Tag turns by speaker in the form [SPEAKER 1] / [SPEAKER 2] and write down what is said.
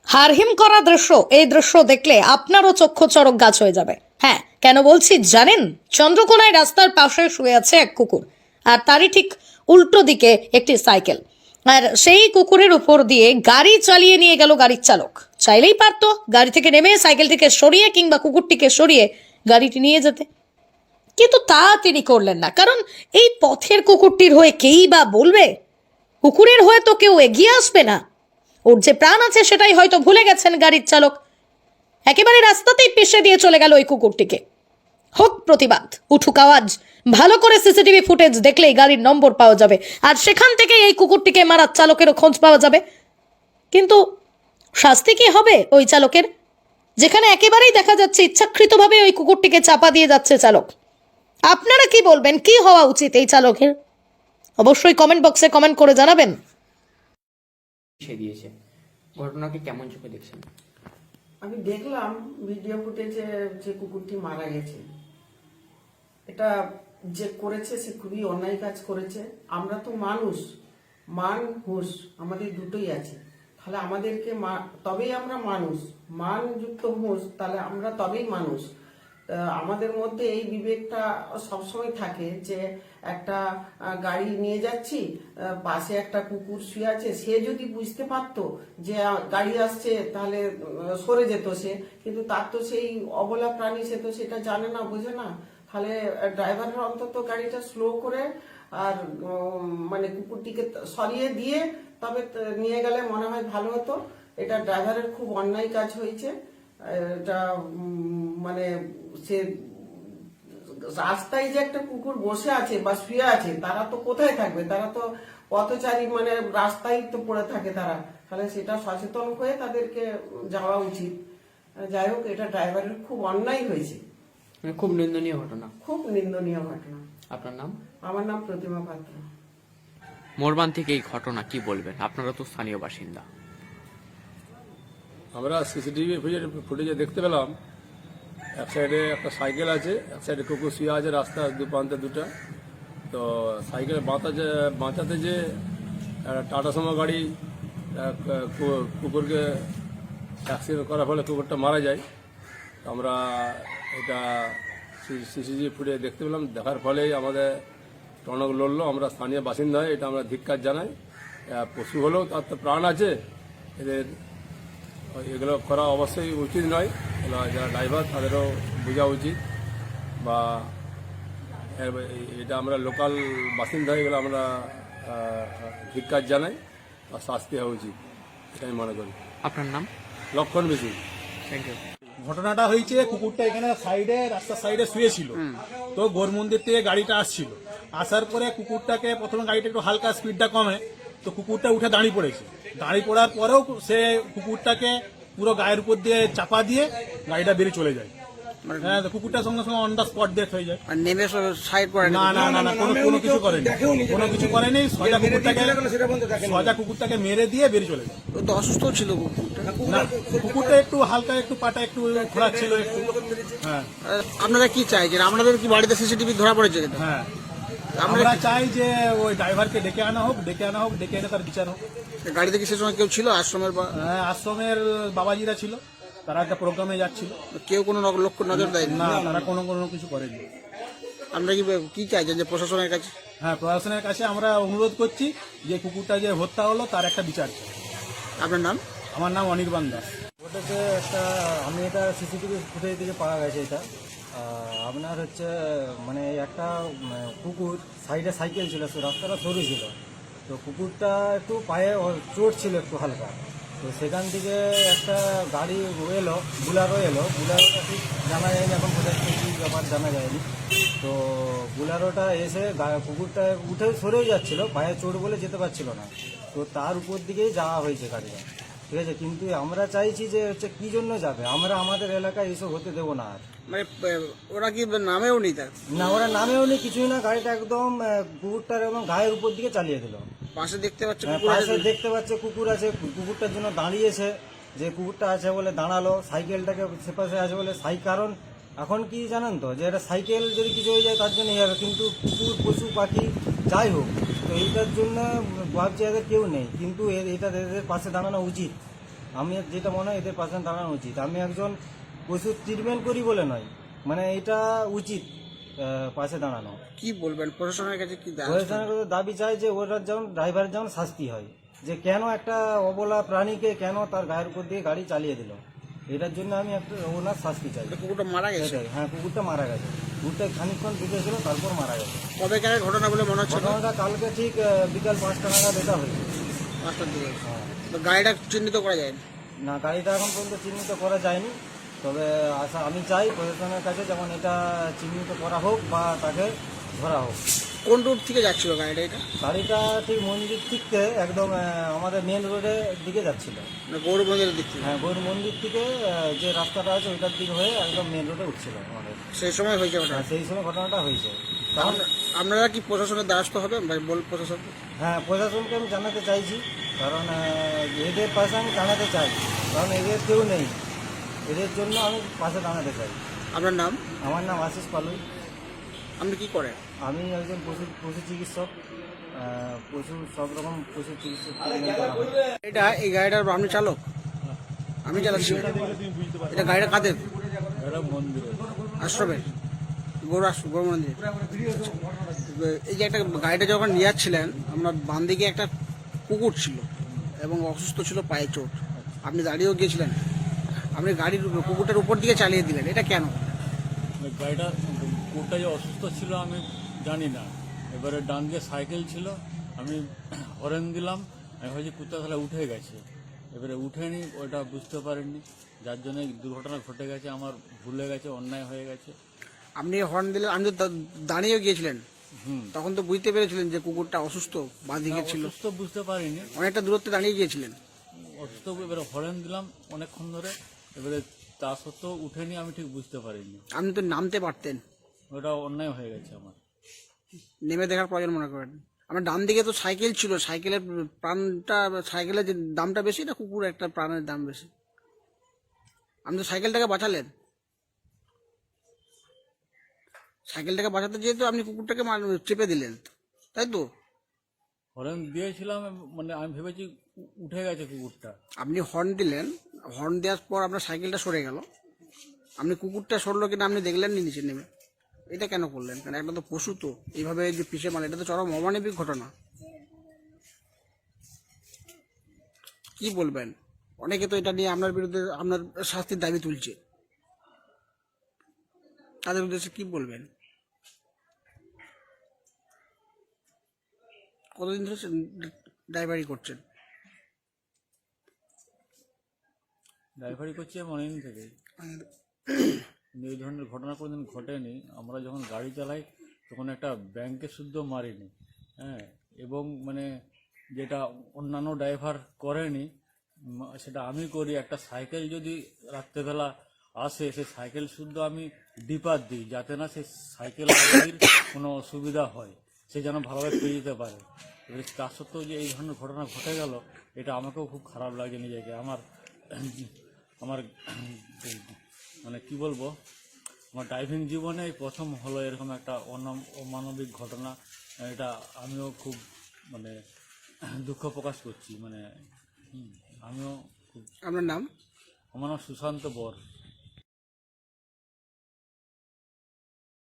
[SPEAKER 1] হারহিম করা দৃশ্য, এই দৃশ্য দেখলে আপনারও চক্ষু চড়ক গাছ হয়ে যাবে। হ্যাঁ, কেন বলছি জানেন? চন্দ্রকোনায় রাস্তার পাশে শুয়ে আছে এক কুকুর, আর তারই ঠিক উল্টো দিকে একটি সাইকেল। আর সেই কুকুরের উপর দিয়ে গাড়ি চালিয়ে নিয়ে গেল গাড়ির চালক। চাইলেই পারতো গাড়ি থেকে নেমে সাইকেলটিকে সরিয়ে কিংবা কুকুরটিকে সরিয়ে গাড়িটি নিয়ে যেতে, কিন্তু তা তিনি করলেন না। কারণ এই পথের কুকুরটির হয়ে কেই বা বলবে? কুকুরের হয়ে তো কেউ এগিয়ে আসবে না। ওর যে প্রাণ আছে সেটাই হয়তো ভুলে গেছেন গাড়ির চালক। একেবারে রাস্তাতেই পেশে দিয়ে চলে গেল ওই কুকুরটিকে। হোক প্রতিবাদ, উঠুক আওয়াজ। ভালো করে সিসিটিভি ফুটেজ দেখলেই গাড়ির নম্বর পাওয়া যাবে, আর সেখান থেকে এই কুকুরটিকে মারার চালকেরও খোঁজ পাওয়া যাবে। কিন্তু শাস্তি কি হবে ওই চালকের, যেখানে একেবারেই দেখা যাচ্ছে ইচ্ছাকৃতভাবে ওই কুকুরটিকে চাপা দিয়ে যাচ্ছে চালক? আপনারা কি বলবেন, কি হওয়া উচিত এই চালকের? অবশ্যই কমেন্ট বক্সে কমেন্ট করে জানাবেন।
[SPEAKER 2] দিয়েছে ঘটনাকে কেমন চোখে দেখছেন?
[SPEAKER 3] আমি দেখলাম ভিডিও ফুটেজে যে কুকুরটি মারা গেছে, এটা যে করেছে সে খুবই অন্যায় কাজ করেছে। আমরা তো মানুষ, মান হুঁশ আমাদের দুটোই আছে, তাহলে আমাদেরকে তবেই আমরা মানুষ, মানযুক্ত হুঁশ, তাহলে আমরা তবেই মানুষ। আমাদের মধ্যে এই বিবেকটা সবসময় থাকে যে একটা গাড়ি নিয়ে যাচ্ছি, পাশে একটা কুকুর শুয়ে আছে, সে যদি বুঝতে পারতো যে গাড়ি আসছে তাহলে সরে যেত সে, কিন্তু তার তো সেই অবলা প্রাণী, সে তো সেটা জানে না, বোঝে না। তাহলে ড্রাইভারের অন্তত গাড়িটা স্লো করে আর মানে কুকুরটিকে সরিয়ে দিয়ে তবে নিয়ে গেলে মনে হয় ভালো হতো। এটা ড্রাইভারের খুব অন্যায় কাজ হয়েছে। এটা মানে সে রাস্তায় যে একটা কুকুর বসে আছে বা শুয়ে আছে, তারা তো কোথায় থাকবে? তারা তো পথচারী, মানে রাস্তায় তো পড়ে থাকে তারা। তাহলে সেটা সচেতন হয়ে তাদেরকে যাওয়া উচিত। যাই হোক, এটা ড্রাইভারের খুব অন্যায় হয়েছে,
[SPEAKER 2] খুব নিন্দনীয় ঘটনা।
[SPEAKER 3] খুব নিন্দনীয় ঘটনা।
[SPEAKER 2] আপনার নাম?
[SPEAKER 3] আমার নাম প্রতিমা পাত্র।
[SPEAKER 2] মর্মান্তিক এই ঘটনা, কি বলবেন? আপনারা তো স্থানীয় বাসিন্দা।
[SPEAKER 4] আমরা সিসিটিভি ফুটেজে দেখতে পেলাম এক সাইডে একটা সাইকেল আছে, এক সাইডে কুকুর শুয়ে আছে, রাস্তার প্রান্তে দুটা। তো সাইকেল বাঁচাতে যে টাটা সুমো গাড়ি কুকুরকে অ্যাক্সিডেন্ট করার ফলে কুকুরটা মারা যায়। আমরা এটা সিসিটিভি ফুটেজ দেখতে পেলাম, দেখার ফলেই আমাদের টনক লড়লো। আমরা স্থানীয় বাসিন্দা হয়ে এটা আমরা ধিক্কার জানাই। পশু হলেও তার তো প্রাণ আছে, এগুলো করা অবশ্যই উচিত নয়। যারা ড্রাইভার তাদেরও বোঝা উচিত, বা এটা আমরা লোকাল বাসিন্দা এগুলো আমরা ধিক্কার জানাই, বা শাস্তি হওয়া উচিত, এটা আমি মনে করি।
[SPEAKER 2] আপনার নাম?
[SPEAKER 4] লক্ষণ বেশি।
[SPEAKER 2] Thank you.
[SPEAKER 5] ঘটনাটা হয়েছে, কুকুরটা এখানে সাইডে, রাস্তার সাইডে শুয়েছিল। তো গৌর মন্দির থেকে গাড়িটা আসছিল, আসার পরে কুকুরটাকে প্রথমে গাড়িটা একটু হালকা স্পিডটা কমে, তো কুকুরটা উঠে দাঁড়িয়ে পড়েছে। দাঁড়িয়ে পড়ার পরেও সে কুকুরটাকে পুরো গায়ের উপর দিয়ে চাপা দিয়ে গাড়িটা বেরিয়ে চলে যায়। হ্যাঁ, কুকুরটার সঙ্গে সঙ্গে অন দা স্পট ডেথ হয়ে যায়।
[SPEAKER 6] নেমে সাইড করে
[SPEAKER 5] না না না না, কোনো কিছু করেনি, কোনো কিছু করেনি। সোজা কুকুরটাকে মেরে দিয়ে বেরিয়ে চলে যায়।
[SPEAKER 6] ও তো অসুস্থ ছিল কুকুরটা।
[SPEAKER 5] না, কুকুরটা একটু হালকা, একটু পাটা একটু ঘোরাচ্ছিল একটু। হ্যাঁ,
[SPEAKER 6] আপনারা কি চাইছেন? আপনাদের কি বাড়িতে সিসিটিভি ধরা পড়েছে?
[SPEAKER 5] হ্যাঁ, আমরা চাই যে ওই ড্রাইভারকে ডেকে আনা হোক, ডেকে এনে তার বিচার হোক।
[SPEAKER 6] গাড়িতে কি সে সময় কেউ ছিল আশ্রমের?
[SPEAKER 5] হ্যাঁ, আশ্রমের বাবাজিরা ছিল, তারা একটা প্রোগ্রামে যাচ্ছিল।
[SPEAKER 6] কেউ কোনো লক্ষ্য নজর দেয়নি?
[SPEAKER 5] না, তারা কোনো কিছু করেনি।
[SPEAKER 6] আমরা কি চাইছেন যে প্রশাসনের কাছে?
[SPEAKER 5] হ্যাঁ, প্রশাসনের কাছে আমরা অনুরোধ করছি যে কুকুরটা যে হত্যা হলো তার একটা বিচার চাই।
[SPEAKER 6] আপনার নাম?
[SPEAKER 5] আমার নাম অনির্বাণ দাস।
[SPEAKER 7] ওটাতে একটা আমি এটা সিসিটিভি ফুটেজ থেকে পাওয়া গেছে। এটা আপনার হচ্ছে মানে একটা কুকুর সাইডে সাইকেল ছিল, রাস্তাটা সরু ছিল, তো কুকুরটা একটু পায়ে চোট ছিল একটু হালকা। তো সেখান থেকে একটা গাড়ি এলো, বুলারও বুলারোটা ঠিক জানা যায়নি এখন, কোথায় কী ব্যাপার জানা যায়নি। তো বুলারোটা এসে কুকুরটা উঠে সরেও যাচ্ছিল, পায়ে চোট বলে যেতে পারছিল না, তো তার উপর দিকেই যাওয়া হয়েছে গাড়িটা, ঠিক আছে। কিন্তু আমরা চাইছি যে হচ্ছে কী জন্য যাবে, আমরা আমাদের এলাকায় এসব হতে দেবো না আর।
[SPEAKER 6] মানে ওরা কি নামেও নি? তার
[SPEAKER 7] না, ওরা নামেও নেই, কিছুই না, গাড়িটা একদম কুকুরটার এবং গায়ের উপর দিকে চালিয়ে দিল।
[SPEAKER 6] পাশে দেখতে পাচ্ছে
[SPEAKER 7] পাশে দেখতে পাচ্ছে কুকুর আছে, কুকুরটার জন্য দাঁড়িয়েছে, যে কুকুরটা আছে বলে দাঁড়ালো, সাইকেলটাকে সে পাশে আছে বলে কারণ এখন কি জানেন তো, যে এটা সাইকেল যদি কিছু হয়ে যায় তার জন্য হবে, কিন্তু কুকুর পশু পাখি যাই হোক, তো এইটার জন্য ভাবছি এদের কেউ নেই, কিন্তু এটা এদের পাশে দাঁড়ানো উচিত। আমি যেটা মনে হয় এদের পাশে দাঁড়ানো উচিত। আমি একজন পশুর ট্রিটমেন্ট করি বলে নয়, মানে এটা উচিত পাশে দাঁড়ানো।
[SPEAKER 6] কি বলবেন প্রশাসনের কাছে কি
[SPEAKER 7] প্রশাসনের কাছে দাবি চাই যে ওরা যেমন ড্রাইভারের যেমন শাস্তি হয়, যে কেন একটা অবলা প্রাণীকে কেন তার গায়ের উপর দিয়ে গাড়ি চালিয়ে দিল, এটার জন্য আমি একটা ওনার শাস্তি চাই।
[SPEAKER 6] কুকুরটা মারা গেছে?
[SPEAKER 7] এটাই, হ্যাঁ, কুকুরটা মারা গেছে। কুকুরটা খানিকক্ষণ ঢুকেছিল, তারপর মারা গেছে।
[SPEAKER 6] কবেকারের ঘটনা বলে মনে হচ্ছে?
[SPEAKER 7] ঘটনাটা কালকে ঠিক বিকাল 5টা নাগাদ এটা হয়েছে।
[SPEAKER 6] 5টার দিকে।
[SPEAKER 7] হ্যাঁ।
[SPEAKER 6] তো গাড়িটা চিহ্নিত করা যায়
[SPEAKER 7] না, গাড়িটা এখন পর্যন্ত চিহ্নিত করা যায়নি, তবে আমি চাই প্রশাসনের কাছে যেমন এটা চিহ্নিত করা হোক বা তাকে ধরা হোক।
[SPEAKER 6] কোন রুট থেকে যাচ্ছিল গাড়িটা? এটা
[SPEAKER 7] গাড়িটা ঠিক মন্দির থেকে একদম আমাদের মেন রোডের দিকে যাচ্ছিল।
[SPEAKER 6] গৌর মন্দিরের দিক থেকে?
[SPEAKER 7] হ্যাঁ, গৌর মন্দির থেকে যে রাস্তাটা আছে ওইটার দিকে হয়ে একদম মেন রোডে উঠছিল আমাদের।
[SPEAKER 6] সেই সময় হয়েছে ওটা?
[SPEAKER 7] হ্যাঁ, সেই সময় ঘটনাটা হয়েছে। তখন
[SPEAKER 6] আপনারা কি প্রশাসনের দ্বারস্থ হবে? বল প্রশাসন।
[SPEAKER 7] হ্যাঁ, প্রশাসনকে আমি জানাতে চাইছি, কারণ এদের পাশে আমি দাঁড়াতে চাই, কারণ এদের কেউ নেই, এদের জন্য আমি পাশে দাঁড়াতে চাই।
[SPEAKER 6] আপনার নাম?
[SPEAKER 7] আমার নাম আশিস পালুই।
[SPEAKER 6] আপনি কি করেন?
[SPEAKER 7] আমি একজন পশু চিকিৎসক, পশু সব রকম পশু চিকিৎসক ট্রিটমেন্ট করা হয়।
[SPEAKER 6] এটা এই গাড়িটার আপনি চালক? আমি চালাচ্ছি। এটা গাড়িটা কাদের? আশ্রমের? গৌর মন্দির। এই যে একটা গাড়িটা যখন নিয়ে যাচ্ছিলেন, আপনার বাম দিকে একটা কুকুর ছিল এবং অসুস্থ ছিল, পায়ে চোট। আপনি দাঁড়িয়েও গিয়েছিলেন, আপনি গাড়ির কুকুরটার উপর দিকে চালিয়ে দিলেন, এটা কেন?
[SPEAKER 8] গাড়িটা কুকুরটা যে অসুস্থ ছিল আমি জানি না, এবারে ডান দিকে সাইকেল ছিল, আমি হরেন দিলাম, আমি ভাবছি কুত্তা তাহলে উঠে গেছে, এবারে উঠেনি, ওটা বুঝতে পারিনি, যার জন্য দুর্ঘটনা ঘটে গেছে, আমার ভুলে গেছে, অন্যায় হয়ে গেছে।
[SPEAKER 6] আপনি হর্ন দিলেন, আমি তো দাঁড়িয়েও গিয়েছিলেন, তখন তো বুঝতে পেরেছিলেন যে কুকুরটা অসুস্থ, বাঁ দিকে ছিল?
[SPEAKER 8] অসুস্থ বুঝতে পারিনি,
[SPEAKER 6] অনেকটা দূরত্বে দাঁড়িয়ে গিয়েছিলেন।
[SPEAKER 8] অসুস্থ এবারে হরেন দিলাম অনেকক্ষণ ধরে, এবারে তা সত্ত্বেও উঠেনি, আমি ঠিক বুঝতে পারিনি।
[SPEAKER 6] আপনি তো নামতে পারতেন।
[SPEAKER 8] ওটা অন্যায় হয়ে গেছে আমার।
[SPEAKER 6] নেমে দেখার প্রয়োজন মনে করেন? আমার ডান দিকে তো সাইকেল ছিল, সাইকেলের প্রাণটা, সাইকেলের যে দামটা বেশি না কুকুর একটা প্রাণের দাম বেশি? আপনি তো সাইকেলটাকে বাঁচালেন, সাইকেলটাকে বাঁচাতে যেহেতু আপনি কুকুরটাকে চেপে দিলেন, তাই তো?
[SPEAKER 8] হরেন দিয়েছিলাম, মানে আমি ভেবেছি উঠে গেছে কুকুরটা।
[SPEAKER 6] আপনি হর্ন দিলেন, হর্ন দেওয়ার পর আপনার সাইকেলটা সরে গেল, আপনি কুকুরটা সরলো কিনা আপনি দেখলেন নি নিচে নেমে? এটা কেন করলেন? কারণ একটা তো পশু, তো এইভাবে যে পিছিয়ে মারলেন, এটা তো চরম অমানবিক ঘটনা। কি বলবেন? অনেকে তো এটা নিয়ে আপনার বিরুদ্ধে আপনার শাস্তির দাবি তুলছে, তাদের উদ্দেশ্যে কি বলবেন? কতদিন ধরে ড্রাইভারি করছেন?
[SPEAKER 8] ড্রাইভারি করছি আমি অনেকদিন থেকে, কিন্তু এই ধরনের ঘটনা কোনোদিন ঘটেনি। আমরা যখন গাড়ি চালাই তখন একটা ব্যাংকের শুদ্ধ মারিনি, হ্যাঁ, এবং মানে যেটা অন্যান্য ড্রাইভার করেনি সেটা আমি করি। একটা সাইকেল যদি রাত্রেবেলা আসে, সেই সাইকেল শুদ্ধ আমি ডিপার দিই, যাতে না সেই সাইকেল আরোহীর কোনো অসুবিধা হয়, সে যেন ভালোভাবে পেয়ে যেতে পারে। এবার তার সত্ত্বেও যে এই ধরনের ঘটনা ঘটে গেল, এটা আমাকেও খুব খারাপ লাগে নিজেকে। আমার মানে কি বলবো, আমার ড্রাইভিং জীবনে এই প্রথম হলো এরকম একটা অমানবিক ঘটনা। এটা আমিও খুব মানে দুঃখ প্রকাশ করছি, মানে আমিও খুব।
[SPEAKER 6] আপনার নাম?
[SPEAKER 8] আমার নাম সুশান্ত বর।